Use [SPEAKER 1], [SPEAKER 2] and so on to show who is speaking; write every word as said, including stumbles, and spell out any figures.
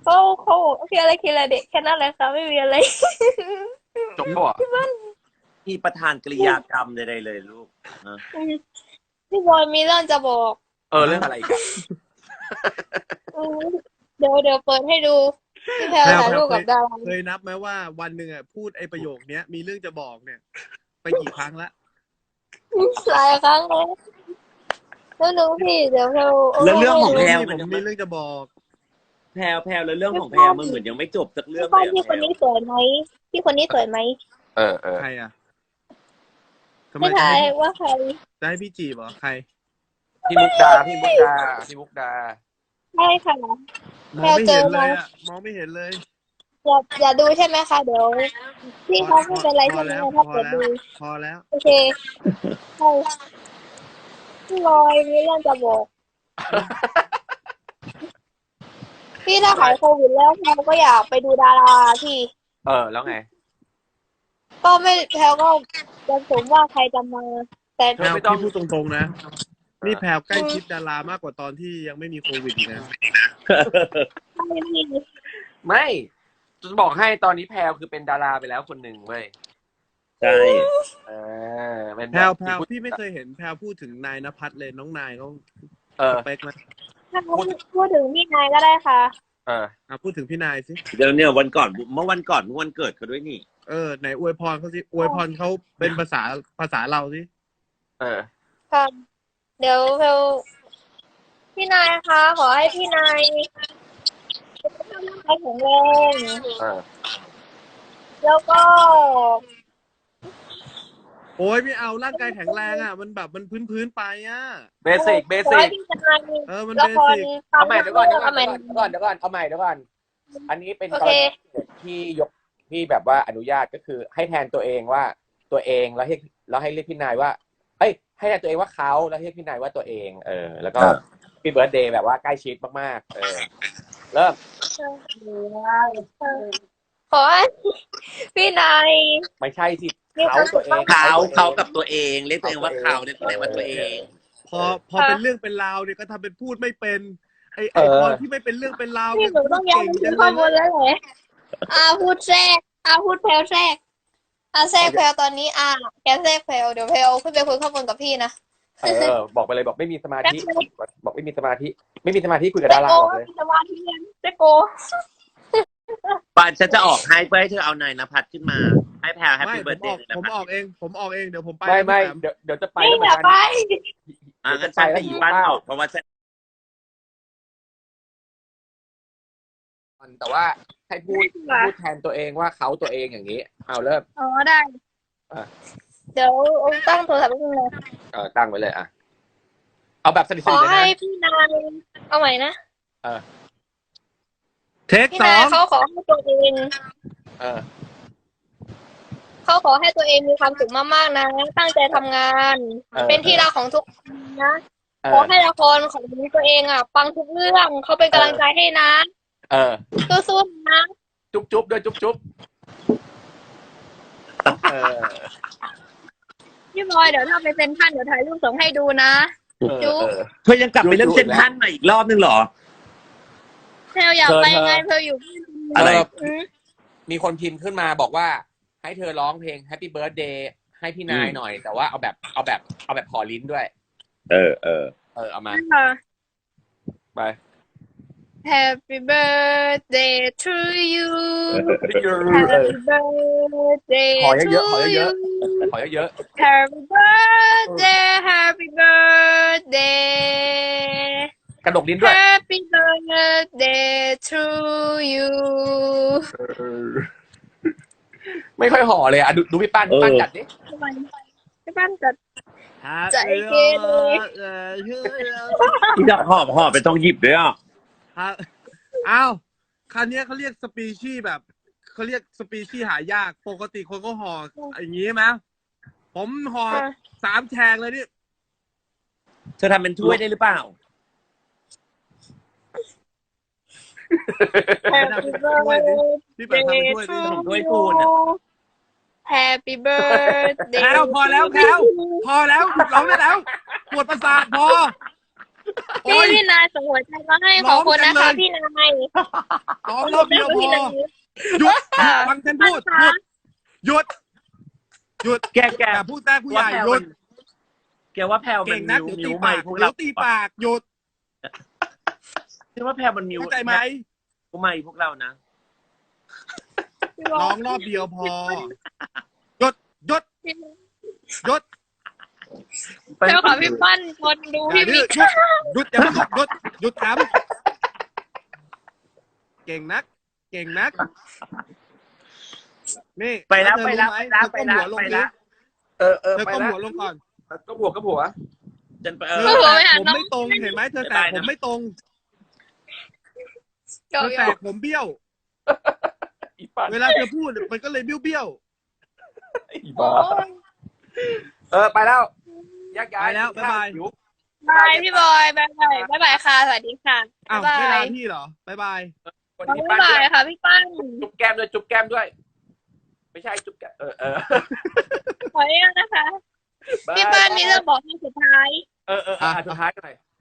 [SPEAKER 1] เขาเขาคิดอะไรคิดอะไรเด็กแค่นั้นแหละค่ะไม่มีอะไร
[SPEAKER 2] จบปะวะ
[SPEAKER 3] มีประธานกริยากรรมใดๆเลยลูกนะ
[SPEAKER 1] พี่บอยมีเรื่องจะบอก
[SPEAKER 2] เออเรื่องอะไรอีกัน
[SPEAKER 1] อืมเดี๋ยวเดี๋ยวเปิดให้ดูพี่แพลว
[SPEAKER 4] แพรว
[SPEAKER 1] ถ่าย
[SPEAKER 4] แพร
[SPEAKER 1] รู
[SPEAKER 4] ว
[SPEAKER 1] ป
[SPEAKER 4] เค
[SPEAKER 1] กับ
[SPEAKER 4] ย
[SPEAKER 1] ดารา
[SPEAKER 4] เคยนับไหมว่าวันหนึ่งอ่ะพูดไอ้ประโยคเนี้ยมีเรื่องจะบอกเนี่ย ไปกี่ครั้งละ
[SPEAKER 1] หลายครั้งแล้วแล้วหนูพี่เดี๋ยวแพลวา
[SPEAKER 3] แล้วเรื่องของ
[SPEAKER 1] ให้
[SPEAKER 3] แพ
[SPEAKER 1] ดู
[SPEAKER 3] รว
[SPEAKER 4] พี่ผ
[SPEAKER 3] มัน
[SPEAKER 4] ม
[SPEAKER 3] ยัง
[SPEAKER 4] มี
[SPEAKER 3] ไม่
[SPEAKER 4] เรื่องจะบอก
[SPEAKER 3] แพรวแพรวแล้วเรื่องของแพรวมันเหมือนยังไม่จบสักเรื่
[SPEAKER 1] พี่
[SPEAKER 3] อง
[SPEAKER 1] ป้า
[SPEAKER 3] เลยอะ
[SPEAKER 1] พี่
[SPEAKER 3] แพ
[SPEAKER 1] ค
[SPEAKER 3] ร
[SPEAKER 1] น
[SPEAKER 3] ว
[SPEAKER 1] นี้สวยไหมพี่คนนี้สวยไหม
[SPEAKER 2] เออเออ
[SPEAKER 4] ใครอ่ะทำไม
[SPEAKER 1] ไม่
[SPEAKER 4] จะ
[SPEAKER 1] ทาย
[SPEAKER 4] ให้
[SPEAKER 1] ว่าใคร
[SPEAKER 4] จะให้พี่จีบเหรอใคร
[SPEAKER 2] พี่มุกดาพี่มุกดาพี่มุกดา
[SPEAKER 1] ใช่ค่ะ
[SPEAKER 4] มองไม่เห็นเลยอ่ะมองไม่เห็นเลย
[SPEAKER 1] อย่าอย่าดูใช่ไหมคะเดี๋ยวพี่
[SPEAKER 4] พอ
[SPEAKER 1] เขาไม่เป็นไร
[SPEAKER 4] พอ
[SPEAKER 1] ใช่ไหม
[SPEAKER 4] แล้ว
[SPEAKER 1] ถ้า
[SPEAKER 4] พอ
[SPEAKER 1] เกิด
[SPEAKER 4] แล้ว
[SPEAKER 1] ดู
[SPEAKER 4] พอแล้ว
[SPEAKER 1] โอเคใช่พี่บอยมีเรื่องจะบอก พี่ถ้าหายโควิดแล้วแพลวก็อยากไปดูดาราพี่
[SPEAKER 2] เออแล้วไง
[SPEAKER 1] ก็ไม่แพลวก็จะสมว่าใครจะมา แต่
[SPEAKER 4] แพรว
[SPEAKER 2] ไม่ต้อง
[SPEAKER 4] พี่พูดตรงๆนะ นี่แพรวใกล้ชิดดารามากกว่าตอนที่ยังไม่มีโควิดอีกนะ
[SPEAKER 1] ไม่มี
[SPEAKER 2] ไม่จะบอกให้ตอนนี้แพลวคือเป็นดาราไปแล้วคนหนึ่งเว้ย
[SPEAKER 3] ใช่
[SPEAKER 2] เออเป็น
[SPEAKER 4] แพรวแพรว
[SPEAKER 2] บบ
[SPEAKER 4] พี่ไม่เคยเห็นแพรวพูดถึงนายณภัทรเลยน้องนายเขา
[SPEAKER 2] เออ
[SPEAKER 4] สเปคไหม
[SPEAKER 1] ถ้าพูดพูดถึงพี่นายก็ได้ค่ะ
[SPEAKER 2] เออ
[SPEAKER 4] อ่ะพูดถึงพี่นายสิ
[SPEAKER 3] เดี๋ยวเนี่ยวันก่อนเมื่อวันก่อนเมื่อวันเกิดเขาด้วยนี่
[SPEAKER 4] เออไหนอวยพรเขาสิอวยพรเขาเป็นภาษาภาษาเราสิ
[SPEAKER 2] เออ
[SPEAKER 1] ค่ะ เดี๋ยวแพลวพี่นายคะขอให้พี่นายสุขภาพร่างกายแข็งแรง
[SPEAKER 2] เออ
[SPEAKER 1] แล้วก็
[SPEAKER 4] โอ้ยไม่เอาร่างกายแข็งแรงอ่ะ มันแบบมันพื้นพื้นๆไปอ่ะ
[SPEAKER 2] เบสิกเบ
[SPEAKER 1] ขอ
[SPEAKER 2] สิ
[SPEAKER 1] ให้
[SPEAKER 2] ก
[SPEAKER 1] พี่นาย
[SPEAKER 4] เออมัน
[SPEAKER 1] ละ
[SPEAKER 4] เบ
[SPEAKER 1] คร
[SPEAKER 4] สิก
[SPEAKER 2] เอาใหม่เดี๋ยวก่อนเดี๋ยวก่อน
[SPEAKER 1] เอาใหม่
[SPEAKER 2] เดี๋ยวก่อนเดี๋ยวก่อนเอาใหม่เดี๋ยวก่อนอันนี้เป็น
[SPEAKER 1] โอก
[SPEAKER 2] ร
[SPEAKER 1] เค
[SPEAKER 2] ณีที่ยกที่แบบว่าอนุญาตก็คือให้แทนตัวเองว่าตัวเองแล้วให้แล้วให้เรียกพี่นายว่า เอ้ย ให้แทนตัวเองว่าเขาแล้วให้เรียกพี่นายว่าตัวเอง เออ แล้วก็
[SPEAKER 3] ครับ
[SPEAKER 2] พี่เบิร์ดเดย์แบบว่าใกล้ชิดมากๆ เออ เริ่ม
[SPEAKER 1] ขอให้พี่นาย
[SPEAKER 2] ไม่ใช่สิ
[SPEAKER 1] มีค
[SPEAKER 2] เขา
[SPEAKER 1] วามสุ
[SPEAKER 2] ตัว
[SPEAKER 1] ข
[SPEAKER 2] เอง
[SPEAKER 3] เขา
[SPEAKER 2] ตัวอง
[SPEAKER 3] เขากับตัวเองเรียกตัวเองว่าเขาเรียกตัวเองว่าตัวเอง
[SPEAKER 4] พอพอเป็นเรื่องเป็นราวเนี่ยก็ทำเป็นพูดไม่เป็นไอไอ
[SPEAKER 2] เออ
[SPEAKER 4] พอที่ไม่เป็นเรื่องเป็นราว
[SPEAKER 1] พี่
[SPEAKER 4] เนี่ย
[SPEAKER 1] หนูต้องย้อนไปถึงข้อมูลแล้วเหรออาพูดแทรกอาพูดแพลวแทรกอาแทรกแพลวตอนนี้อาแกแทรกแพลวเดี๋ยวแพลวขึ้นไปคุยข้อมูลกับพี่นะ
[SPEAKER 2] เออ บอกไปเลยบอกไม่มีสมาธิ
[SPEAKER 1] แป๊บนึง
[SPEAKER 2] บอกไม่มีสมาธิ ไม่มีสมาธิคุยกับ
[SPEAKER 1] เจ
[SPEAKER 2] ดารา
[SPEAKER 1] โก
[SPEAKER 2] บอกเลย
[SPEAKER 1] สมาธิเรียนเจโก
[SPEAKER 3] ปานฉันจะออกให้เพื่อให้เธอเอานายณภัทรขึ้นมา ให้แพรวแฮป
[SPEAKER 4] ไม่
[SPEAKER 3] ปี้
[SPEAKER 4] ผ
[SPEAKER 3] เบิร์ด
[SPEAKER 4] ม
[SPEAKER 3] เด
[SPEAKER 4] ออก
[SPEAKER 3] ย์นะ
[SPEAKER 4] ผม
[SPEAKER 3] ครับ
[SPEAKER 4] ออกเอง ผมออกเองเดี๋ยวผมไป
[SPEAKER 2] ไม่ไม่
[SPEAKER 4] พี่แป
[SPEAKER 2] เดี๋ยวเดี๋ยวจะไป
[SPEAKER 1] นี่
[SPEAKER 2] แล้วเหมื
[SPEAKER 1] อ
[SPEAKER 2] อน
[SPEAKER 1] ย่า
[SPEAKER 2] กัน
[SPEAKER 1] ไป
[SPEAKER 3] อ่ะงั้นฉันกับอีป้านออกเพราะว่าฉัน
[SPEAKER 2] แต่ว่าให้พูดพูดแทนตัวเองว่าเขาตัวเองอย่างนี้ เอาเริ่ม
[SPEAKER 1] อ๋อได้
[SPEAKER 2] อ่ะ
[SPEAKER 1] เดี๋ยวตั้งโทรศัพท์ไว้ตรงนี้
[SPEAKER 2] เออตั้งไว้เลยอ่ะ เอาแบบสนิท
[SPEAKER 1] ขอ
[SPEAKER 2] ๆเลย
[SPEAKER 1] ให้
[SPEAKER 2] นะ
[SPEAKER 1] พี่นายเอาใหม่นะ
[SPEAKER 2] เออ
[SPEAKER 4] เทค
[SPEAKER 1] พี่
[SPEAKER 4] สอน
[SPEAKER 1] าย
[SPEAKER 4] ง
[SPEAKER 1] เขาขอให้ตัวเอง
[SPEAKER 2] เออ
[SPEAKER 1] เขาขอให้ตัวเองมีความสุขมากๆนะ ตั้งใจทำงาน
[SPEAKER 2] เออ
[SPEAKER 1] เป็นที่รักของทุกคนนะ
[SPEAKER 2] เอ
[SPEAKER 1] ขอ
[SPEAKER 2] อ
[SPEAKER 1] ให้ละครของตัวเองอ่ะปังทุกเรื่องเขาเป็นกำลังใจให้นะ
[SPEAKER 2] เออ
[SPEAKER 1] สู้ๆนะ
[SPEAKER 2] จุ๊บจุ๊บด้วยจุ๊บจุ๊บเออ
[SPEAKER 1] พี่บอยเดี๋ยวถ้าไปเซ็นทรัลเดี๋ยวถ่ายรูปส่งให้ดูนะ
[SPEAKER 2] เออ
[SPEAKER 1] จุ๊บ
[SPEAKER 2] เออ
[SPEAKER 3] เธอยังกลับไปเรื่องเซนทรันมาอีกรอบนึงเหรอ
[SPEAKER 1] เพลอยาก
[SPEAKER 2] เธอ
[SPEAKER 1] ไป
[SPEAKER 2] เธอ
[SPEAKER 1] ไงเพลอยู่
[SPEAKER 3] อะไร
[SPEAKER 1] อืม
[SPEAKER 2] มีคนพิมพ์ขึ้นมาบอกว่า ให้เธอร้องเพลง Happy Birthday ให้พี่นายหน่อย แต่ว่าเอาแบบเอาแบบเอาแบบขอลิ้นด้วย
[SPEAKER 3] เออเออ
[SPEAKER 2] เออเอามา
[SPEAKER 1] ค่ะ
[SPEAKER 2] ไป
[SPEAKER 1] Happy birthday to you
[SPEAKER 2] เออ
[SPEAKER 1] Happy birthday
[SPEAKER 2] ขอ
[SPEAKER 1] to
[SPEAKER 2] เยอะๆขอเย
[SPEAKER 1] you
[SPEAKER 2] อะๆขอเยอะ
[SPEAKER 1] Happy birthday Happy birthday
[SPEAKER 2] ๆกระดกลิ้นด้วย
[SPEAKER 1] Happy birthday to you
[SPEAKER 2] ไม่ค่อยห่อเลยอ่ะดูดูพี่ป้านพี่ป้านจัดดิ
[SPEAKER 1] ทำไมพี่ป้านจัด ใจ
[SPEAKER 4] ใจ
[SPEAKER 1] เกเร
[SPEAKER 4] เออเชื่อ
[SPEAKER 3] ที่ดอกหอบหอบไปต้องหยิบด้วยอ่ะ
[SPEAKER 4] ฮะอ้าวคันนี้ยเขาเรียกสปีชีส์แบบเขาเรียกสปีชีส์หายากปกติคนก็ห่ออย่างนี้ไหมผมห่อ
[SPEAKER 1] ค่ะ
[SPEAKER 4] สามแฉกเลยนี่
[SPEAKER 3] เธอทำเป็นถ้วยได้หรือเปล่า
[SPEAKER 1] Happy birthday
[SPEAKER 4] พี่เปิดทำเป็นถ้วยดิ
[SPEAKER 3] ของถ้วยคูณอะ
[SPEAKER 1] Happy birthday
[SPEAKER 4] แพลวพอแล้วแพลวพอแล้วหยุดร้องได้แล้วปวดประสาทพอโอ้
[SPEAKER 1] พี่
[SPEAKER 4] ย
[SPEAKER 1] พี่นายส่งหัวใจมาให้ขอบคุณนะคะ พี่นาย
[SPEAKER 4] ร้องรอบเดียวพ
[SPEAKER 1] พี่
[SPEAKER 4] อ
[SPEAKER 1] นาย
[SPEAKER 4] หยุดหยุดฟังฉันพูดหยุดหยุดหยุด
[SPEAKER 3] แกแก
[SPEAKER 4] อย่าพูดแท้ผู้ใหญ่หยุด
[SPEAKER 3] แกว่าแพลวมั
[SPEAKER 4] เก่
[SPEAKER 3] น
[SPEAKER 4] งนั
[SPEAKER 3] มิ
[SPEAKER 4] ก
[SPEAKER 3] ว
[SPEAKER 4] เดี๋ยว
[SPEAKER 3] มิ
[SPEAKER 4] ตี
[SPEAKER 3] วใหม่
[SPEAKER 4] ปาก
[SPEAKER 3] พวก
[SPEAKER 4] เดี๋
[SPEAKER 3] เรา
[SPEAKER 4] ยวตีปากหยุด
[SPEAKER 3] คิดว่าแพลวมันมิว
[SPEAKER 4] เข้าใจไหม
[SPEAKER 3] มิวใหม่พวกเรานะ
[SPEAKER 4] ร้องรอบเดียวพอหยุดหยุดหยุด
[SPEAKER 1] เจ้าค่ะพี่ปั้นคนดู
[SPEAKER 4] อย่า
[SPEAKER 1] พี่
[SPEAKER 4] ดื้
[SPEAKER 1] มิ
[SPEAKER 4] อก หยุดหยุดอย่าเพิ่งหยุดหยุดถามเก่งนัก เก่งนักนี่
[SPEAKER 3] ไปแล้ว
[SPEAKER 4] เธอ
[SPEAKER 3] ไปแล้ว
[SPEAKER 4] รู้หม
[SPEAKER 3] ไปแล้ว
[SPEAKER 4] เธอก้มหัวลง
[SPEAKER 3] ไป
[SPEAKER 4] ดิ
[SPEAKER 3] แล้ว
[SPEAKER 2] เออเออ
[SPEAKER 4] เธอ
[SPEAKER 2] ไป
[SPEAKER 4] ก้ม
[SPEAKER 2] แล้ว
[SPEAKER 4] หัวลงก่อน
[SPEAKER 2] ก็บวกก็บวก
[SPEAKER 3] จนไป
[SPEAKER 4] เธ
[SPEAKER 3] เอ
[SPEAKER 4] อ
[SPEAKER 3] อ
[SPEAKER 4] แตกผมไม่ตรงเห็นไหมเธอแตกผมไม่ตรงเธอแตกผมเบี้ยว
[SPEAKER 2] อีปัน
[SPEAKER 4] เวลาเธอพูดมันก็เลยเบี้ยวเบี้ยว
[SPEAKER 2] อีบ้าเออไปแล้วแยกย้าย
[SPEAKER 4] ไปแล้วบ๊ายบาย
[SPEAKER 2] หิว
[SPEAKER 1] บายพี่บอยบายบายบายบายค่ะสวัสดีค่ะ
[SPEAKER 4] อ้าว
[SPEAKER 1] บาย
[SPEAKER 4] ไม่
[SPEAKER 1] บา
[SPEAKER 4] ลาย พี่เหรอบ๊ายบาย
[SPEAKER 2] คนที่
[SPEAKER 1] บา
[SPEAKER 2] ปั้นด้วย
[SPEAKER 1] ยค่ะพี่ปั้น
[SPEAKER 2] จุ๊บแก้มด้วยจุ๊บแก้มด้วย ไม่ใช่จุ๊บแก้มเออเออ
[SPEAKER 1] ขออนุญาตนะคะ พี่ปั้นมีเรื่องบอกให้สุดท้าย
[SPEAKER 2] เออเอออ่ะสุดท้ายหน่อย